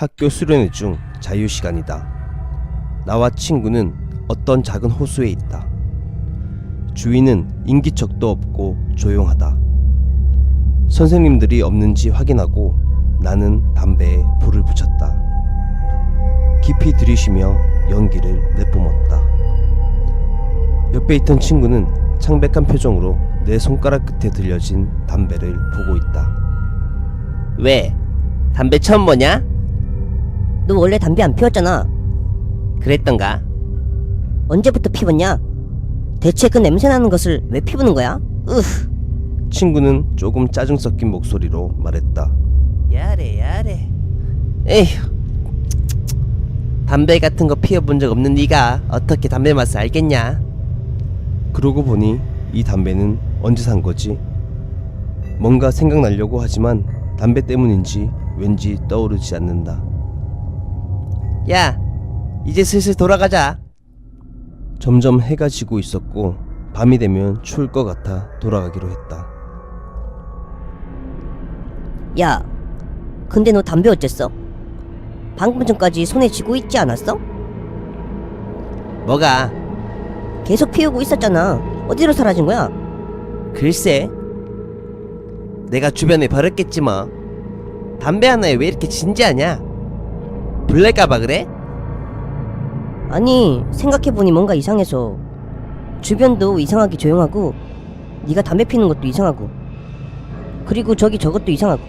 학교 수련회 중 자유시간이다. 나와 친구는 어떤 작은 호수에 있다. 주위는 인기척도 없고 조용하다. 선생님들이 없는지 확인하고 나는 담배에 불을 붙였다. 깊이 들이쉬며 연기를 내뿜었다. 옆에 있던 친구는 창백한 표정으로 내 손가락 끝에 들려진 담배를 보고 있다. 왜? 담배 처음 보냐? 너 원래 담배 안 피웠잖아. 그랬던가? 언제부터 피웠냐? 대체 그 냄새 나는 것을 왜 피우는 거야? 친구는 조금 짜증 섞인 목소리로 말했다. 야래 에휴, 담배 같은 거 피워본 적 없는 네가 어떻게 담배 맛을 알겠냐? 그러고 보니 이 담배는 언제 산 거지? 뭔가 생각나려고 하지만 담배 때문인지 왠지 떠오르지 않는다. 야, 이제 슬슬 돌아가자. 점점 해가 지고 있었고 밤이 되면 추울 것 같아 돌아가기로 했다. 야, 근데 너 담배 어쨌어? 방금 전까지 손에 쥐고 있지 않았어? 뭐가? 계속 피우고 있었잖아. 어디로 사라진 거야? 글쎄, 내가 주변에 버렸겠지 뭐. 담배 하나에 왜 이렇게 진지하냐? 불날까봐 그래? 아니, 생각해보니 뭔가 이상해서. 주변도 이상하게 조용하고 네가 담배 피는 것도 이상하고 그리고 저것도 이상하고.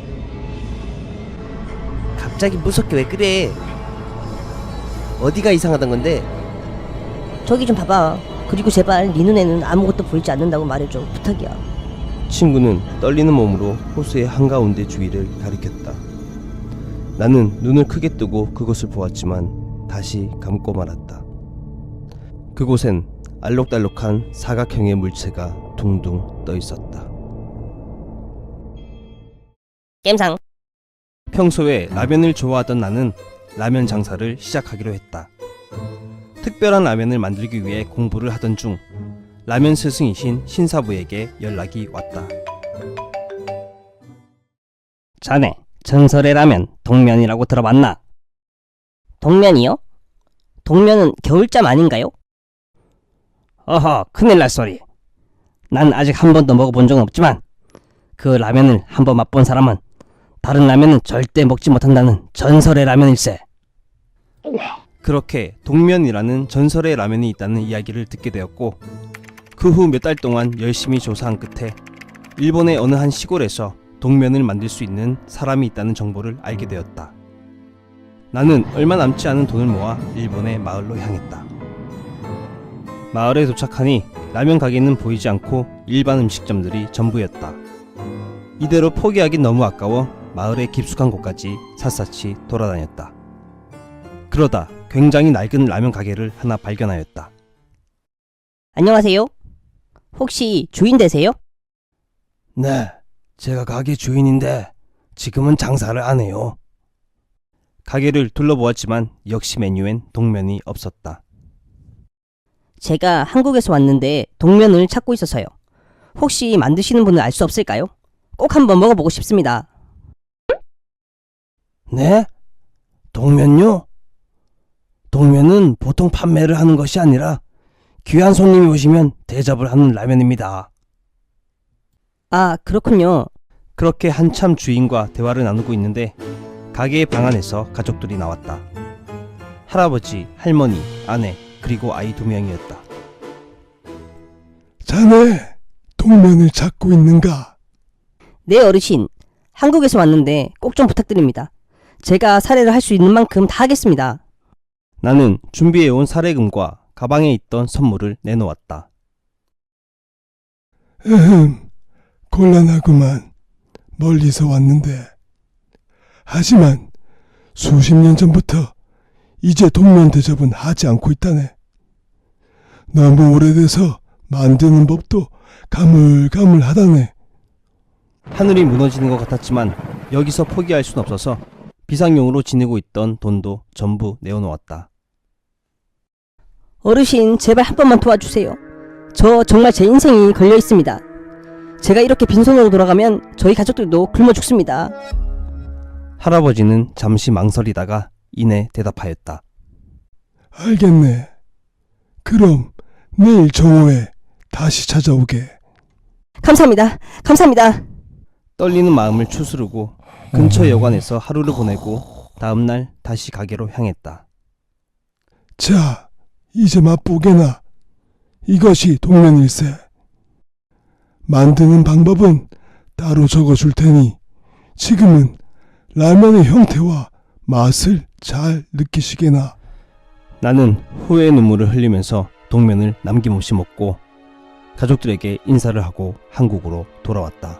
갑자기 무섭게 왜 그래? 어디가 이상하단 건데? 저기 좀 봐봐. 그리고 제발 네 눈에는 아무것도 보이지 않는다고 말해줘. 부탁이야. 친구는 떨리는 몸으로 호수의 한가운데 주위를 가리켰다. 나는 눈을 크게 뜨고 그것을 보았지만 다시 감고 말았다. 그곳엔 알록달록한 사각형의 물체가 둥둥 떠 있었다. 겜상. 평소에 라면을 좋아하던 나는 라면 장사를 시작하기로 했다. 특별한 라면을 만들기 위해 공부를 하던 중 라면 스승이신 신사부에게 연락이 왔다. 자네, 전설의 라면 동면이라고 들어봤나? 동면이요? 동면은 겨울잠 아닌가요? 어허, 큰일 날 소리. 난 아직 한 번도 먹어본 적은 없지만 그 라면을 한 번 맛본 사람은 다른 라면은 절대 먹지 못한다는 전설의 라면일세. 그렇게 동면이라는 전설의 라면이 있다는 이야기를 듣게 되었고 그 후 몇 달 동안 열심히 조사한 끝에 일본의 어느 한 시골에서 동면을 만들 수 있는 사람이 있다는 정보를 알게 되었다. 나는 얼마 남지 않은 돈을 모아 일본의 마을로 향했다. 마을에 도착하니 라면 가게는 보이지 않고 일반 음식점들이 전부였다. 이대로 포기하긴 너무 아까워 마을의 깊숙한 곳까지 샅샅이 돌아다녔다. 그러다 굉장히 낡은 라면 가게를 하나 발견하였다. 안녕하세요. 혹시 주인 되세요? 네, 제가 가게 주인인데 지금은 장사를 안 해요. 가게를 둘러보았지만 역시 메뉴엔 동면이 없었다. 제가 한국에서 왔는데 동면을 찾고 있어서요. 혹시 만드시는 분을 알 수 없을까요? 꼭 한번 먹어보고 싶습니다. 네? 동면요? 동면은 보통 판매를 하는 것이 아니라 귀한 손님이 오시면 대접을 하는 라면입니다. 아, 그렇군요. 그렇게 한참 주인과 대화를 나누고 있는데 가게의 방 안에서 가족들이 나왔다. 할아버지, 할머니, 아내, 그리고 아이 2명이었다. 자네, 동면을 찾고 있는가? 네, 어르신. 한국에서 왔는데 꼭 좀 부탁드립니다. 제가 사례를 할 수 있는 만큼 다 하겠습니다. 나는 준비해온 사례금과 가방에 있던 선물을 내놓았다. 곤란하구만. 멀리서 왔는데. 하지만 수십 년 전부터 이제 동면 대접은 하지 않고 있다네. 너무 오래돼서 만드는 법도 가물가물하다네. 하늘이 무너지는 것 같았지만 여기서 포기할 순 없어서 비상용으로 지니고 있던 돈도 전부 내어놓았다. 어르신, 제발 한 번만 도와주세요. 저 정말 제 인생이 걸려 있습니다. 제가 이렇게 빈손으로 돌아가면 저희 가족들도 굶어 죽습니다. 할아버지는 잠시 망설이다가 이내 대답하였다. 알겠네. 그럼 내일 정오에 다시 찾아오게. 감사합니다. 감사합니다. 떨리는 마음을 추스르고 근처 여관에서 하루를 보내고 다음날 다시 가게로 향했다. 자, 이제 맛보게나. 이것이 동면일세. 만드는 방법은 따로 적어줄 테니 지금은 라면의 형태와 맛을 잘 느끼시게나. 나는 후회의 눈물을 흘리면서 동면을 남김없이 먹고 가족들에게 인사를 하고 한국으로 돌아왔다.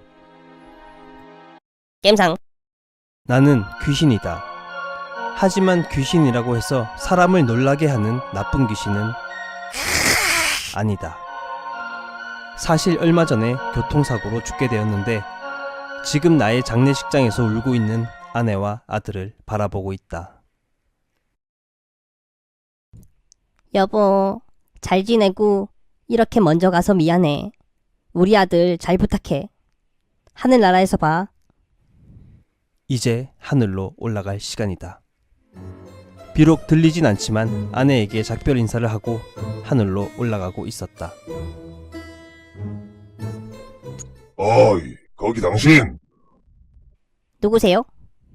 겜상. 나는 귀신이다. 하지만 귀신이라고 해서 사람을 놀라게 하는 나쁜 귀신은 아니다. 사실 얼마 전에 교통사고로 죽게 되었는데 지금 나의 장례식장에서 울고 있는 아내와 아들을 바라보고 있다. 여보, 잘 지내고 이렇게 먼저 가서 미안해. 우리 아들 잘 부탁해. 하늘나라에서 봐. 이제 하늘로 올라갈 시간이다. 비록 들리진 않지만 아내에게 작별 인사를 하고 하늘로 올라가고 있었다. 어이, 거기 당신! 누구세요?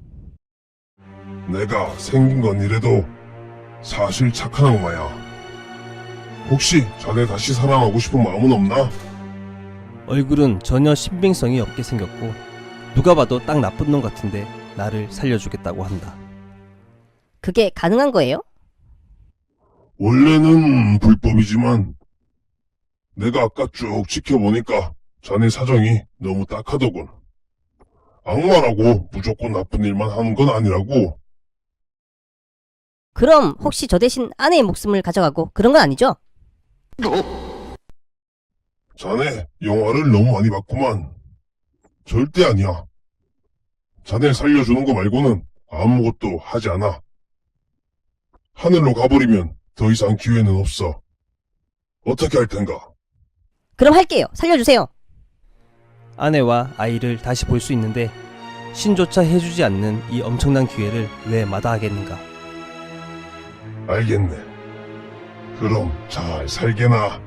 내가 생긴 건 이래도 사실 착한 악마야. 혹시 자네 다시 사랑하고 싶은 마음은 없나? 얼굴은 전혀 신빙성이 없게 생겼고 누가 봐도 딱 나쁜 놈 같은데 나를 살려주겠다고 한다. 그게 가능한 거예요? 원래는 불법이지만 내가 아까 쭉 지켜보니까 자네 사정이 너무 딱하더군. 악마라고 무조건 나쁜 일만 하는 건 아니라고. 그럼 혹시 저 대신 아내의 목숨을 가져가고 그런 건 아니죠? 자네 영화를 너무 많이 봤구만. 절대 아니야. 자네 살려주는 거 말고는 아무것도 하지 않아. 하늘로 가버리면 더 이상 기회는 없어. 어떻게 할 텐가? 그럼 할게요. 살려주세요. 아내와 아이를 다시 볼 수 있는데 신조차 해주지 않는 이 엄청난 기회를 왜 마다하겠는가. 알겠네. 그럼 잘 살게나.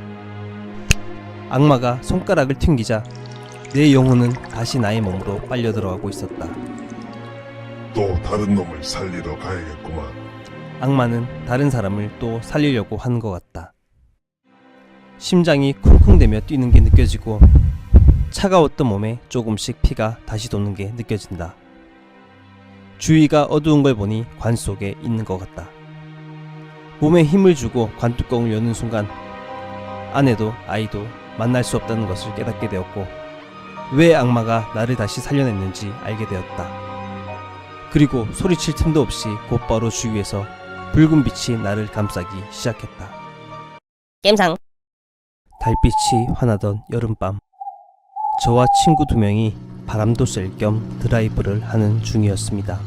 악마가 손가락을 튕기자 내 영혼은 다시 나의 몸으로 빨려 들어가고 있었다. 또 다른 놈을 살리러 가야겠구만. 악마는 다른 사람을 또 살리려고 하는 것 같다. 심장이 쿵쿵대며 뛰는 게 느껴지고 차가웠던 몸에 조금씩 피가 다시 도는 게 느껴진다. 주위가 어두운 걸 보니 관 속에 있는 것 같다. 몸에 힘을 주고 관뚜껑을 여는 순간 아내도 아이도 만날 수 없다는 것을 깨닫게 되었고 왜 악마가 나를 다시 살려냈는지 알게 되었다. 그리고 소리칠 틈도 없이 곧바로 주위에서 붉은 빛이 나를 감싸기 시작했다. 겜상. 달빛이 환하던 여름밤, 저와 친구 2명이 바람도 쐴 겸 드라이브를 하는 중이었습니다.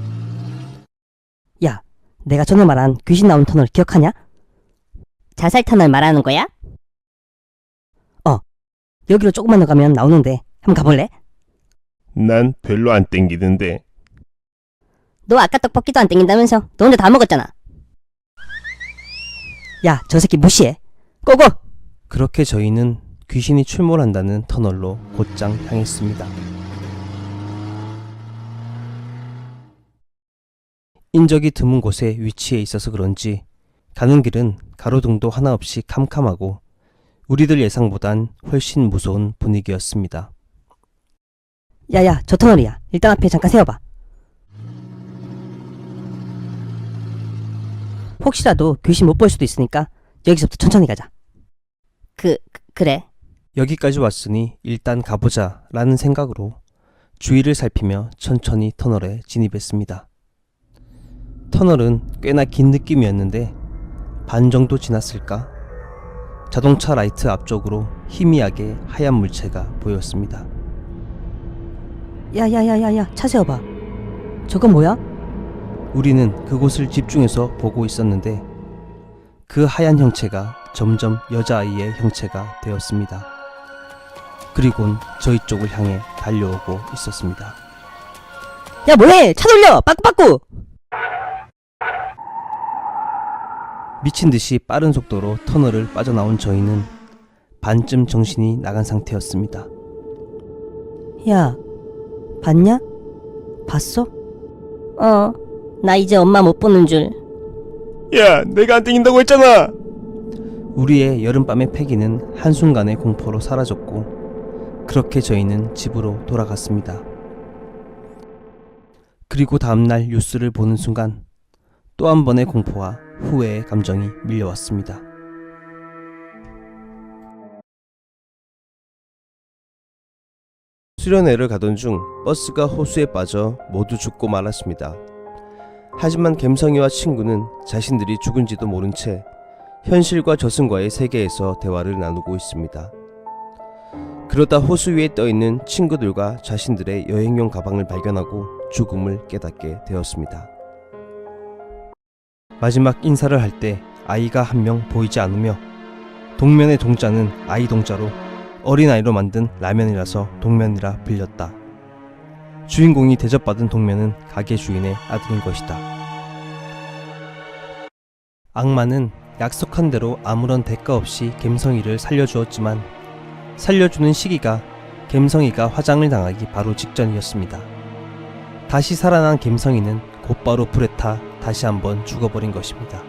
야, 내가 전에 말한 귀신 나온 터널 기억하냐? 자살 터널 말하는 거야? 여기로 조금만 더 가면 나오는데 한번 가볼래? 난 별로 안 땡기는데. 너 아까 떡볶이도 안 땡긴다면서 너 혼자 다 먹었잖아. 야, 저 새끼 무시해. 고고! 그렇게 저희는 귀신이 출몰한다는 터널로 곧장 향했습니다. 인적이 드문 곳에 위치해 있어서 그런지 가는 길은 가로등도 하나 없이 캄캄하고 우리들 예상보단 훨씬 무서운 분위기였습니다. 야야, 저 터널이야. 일단 앞에 잠깐 세워봐. 혹시라도 귀신 못 볼 수도 있으니까 여기서부터 천천히 가자. 그래. 여기까지 왔으니 일단 가보자 라는 생각으로 주위를 살피며 천천히 터널에 진입했습니다. 터널은 꽤나 긴 느낌이었는데 반 정도 지났을까? 자동차 라이트 앞쪽으로 희미하게 하얀 물체가 보였습니다. 야야야야야, 차 세워봐. 저건 뭐야? 우리는 그곳을 집중해서 보고 있었는데 그 하얀 형체가 점점 여자아이의 형체가 되었습니다. 그리곤 저희 쪽을 향해 달려오고 있었습니다. 야 뭐해? 차 돌려! 빠꾸빠꾸! 미친 듯이 빠른 속도로 터널을 빠져나온 저희는 반쯤 정신이 나간 상태였습니다. 야, 봤냐? 봤어? 나 이제 엄마 못 보는 줄. 야, 내가 안 땡긴다고 했잖아! 우리의 여름밤의 패기는 한순간의 공포로 사라졌고 그렇게 저희는 집으로 돌아갔습니다. 그리고 다음날 뉴스를 보는 순간 또 한 번의 공포와 후회의 감정이 밀려왔습니다. 수련회를 가던 중 버스가 호수에 빠져 모두 죽고 말았습니다. 하지만 갬성이와 친구는 자신들이 죽은지도 모른 채 현실과 저승과의 세계에서 대화를 나누고 있습니다. 그러다 호수 위에 떠있는 친구들과 자신들의 여행용 가방을 발견하고 죽음을 깨닫게 되었습니다. 마지막 인사를 할 때 아이가 한 명 보이지 않으며 동면의 동자는 아이 동자로 어린아이로 만든 라면이라서 동면이라 불렸다. 주인공이 대접받은 동면은 가게 주인의 아들인 것이다. 악마는 약속한 대로 아무런 대가 없이 갬성이를 살려주었지만 살려주는 시기가 갬성이가 화장을 당하기 바로 직전이었습니다. 다시 살아난 갬성이는 곧바로 불에 타 다시 한번 죽어버린 것입니다.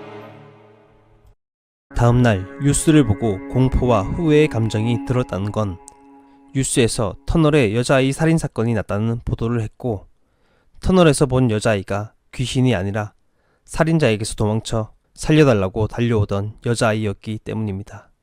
다음날 뉴스를 보고 공포와 후회의 감정이 들었다는 건 뉴스에서 터널에 여자아이 살인사건이 났다는 보도를 했고 터널에서 본 여자아이가 귀신이 아니라 살인자에게서 도망쳐 살려달라고 달려오던 여자아이였기 때문입니다.